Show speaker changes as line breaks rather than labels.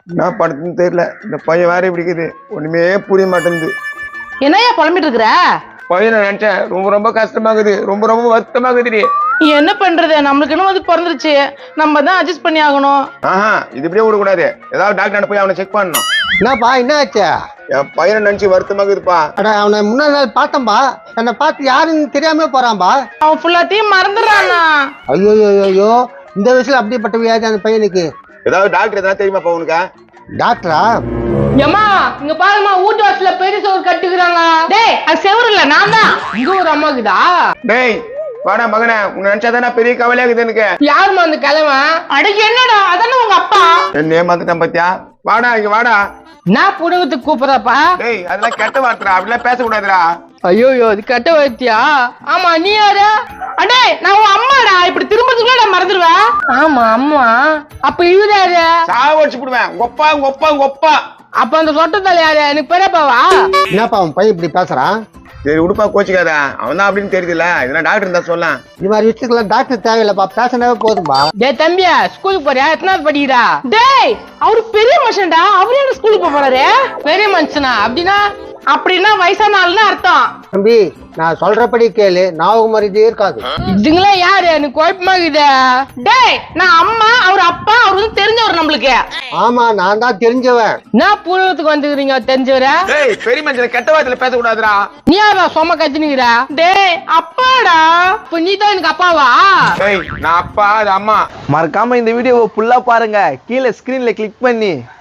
என்ன படுத்துன்னு தெரியல. இந்த பையன் வேற இப்படி இருக்குது, ஒண்ணுமே புரிய மாட்டேங்குது.
என்னையா புலம்பிட்டு இருக்கிற?
பையனை நினைச்சேன், ரொம்ப ரொம்ப கஷ்டமாகுது, ரொம்ப ரொம்ப வருத்தமாகுது.
என்ன பண்றது, நம்மளுக்கு இன்னும் அது பிறந்துருச்சு, நம்ம தான் அட்ஜஸ்ட் பண்ணி ஆகணும்.
ஆஹா, இது இப்படியே விடக்கூடாது. ஏதாவது டாக்டர் போய் அவனை செக் பண்ணணும்.
என்னப்பா என்ன ஆச்சு?
என் பையனை நினைச்சு வருத்தமாகுதுப்பா.
அட அவனை முன்னாடி நாள் பார்த்தம்பா, என்னை பார்த்து யாருன்னு தெரியாம போறான்பா.
அவன் ஃபுல்லாத்தையும் மறந்துடுறானா?
ஐயோ ஐயோ, இந்த வயசுல அப்படிப்பட்ட வியாதி அந்த பையனுக்கு.
ஏதாவது டாக்டர் எதாவது தெரியுமாப்பா உனக்கு?
டாக்டரா?
ஏமா இங்க பாருமா, வீட்டு வாசல்ல பெரிய சோறு கட்டுக்கிறாங்க. டேய் அது செவரு இல்ல, நான் தான். இங்க ஒரு அம்மாக்குதா?
டேய் வாடா மகனே, உன்னை நினைச்சாதானே பெரிய கவலையாகுது எனக்கு.
யாருமா அந்த கிழமை? அடக்கு என்னடா, அதானே உங்க அப்பா.
என்ன ஏமாத்துட்டான் பாத்தியா? வாடா இங்க வாடா.
நான் புடகத்துக்கு கூப்பிடுறப்பா.
டேய் அதெல்லாம் கெட்ட வார்த்தைடா, அப்படிலாம் பேசக்கூடாதுடா.
ஐயோ இது கட்ட வைத்தியா? ஆமா நீ யாரு? அடே நான் உன் அம்மாடா, இப்படி திரும்பத்துக்குள்ள நான் மறந்துடுவேன். ஆமா அம்மா. அப்ப இவராரு?
சாவடிச்சு போடுவேன். ஒப்பா ஒப்பா ஒப்பா.
அப்ப அந்த சொட்டத்தால யாரு? எனக்கு பெரியப்பாவா?
என்னப்பா அவன் பையன் இப்படி பேசுறான்?
சரி உடுப்பா, கோச்சிக்காத. அவன் தான் அப்படின்னு தெரியுதுல்ல, இதெல்லாம் டாக்டர் இருந்தா சொல்லலாம்.
இது மாதிரி விஷயத்துக்குலாம் டாக்டர் தேவையில்லப்பா, பேசினாவே போதும்பா.
டேய் தம்பியா, ஸ்கூலுக்கு போறியா? எத்தனாவது படிக்கிறா? டேய் அவரு பெரிய மனுஷன்டா, அவரு என்ன ஸ்கூலுக்கு போறாரு? பெரிய மனுஷனா? அப்படின்னா வயசான ஆளுன்னு அர்த்தம்.
தம்பி நான் சொல்றபடி கேளு, ஞாபகம் மரியாதையே இருக்காது.
இதுங்களா யாரு? எனக்கு குழப்பமா இருக்குது. டேய் நான் அம்மா, அவர் அப்பா, அவர் வந்து தெரிஞ்சவர் நம்மளுக்கு.
ஆமா நான் தான் தெரிஞ்சவன்.
நான் பூர்வத்துக்கு வந்துக்கிறீங்க தெரிஞ்சவர?
டேய் பெரிய மனுஷன் கெட்ட வார்த்தையில பேசக்கூடாதுடா.
நீ யாரா சொம கத்தினுக்கிற? டேய் அப்பாடா, இப்ப நீ தான் எனக்கு அப்பாவா?
டேய் நான் அப்பா, அது அம்மா.
மறக்காம இந்த வீடியோவை ஃபுல்லா பாருங்க, கீழே ஸ்கிரீன்ல கிளிக் பண்ணி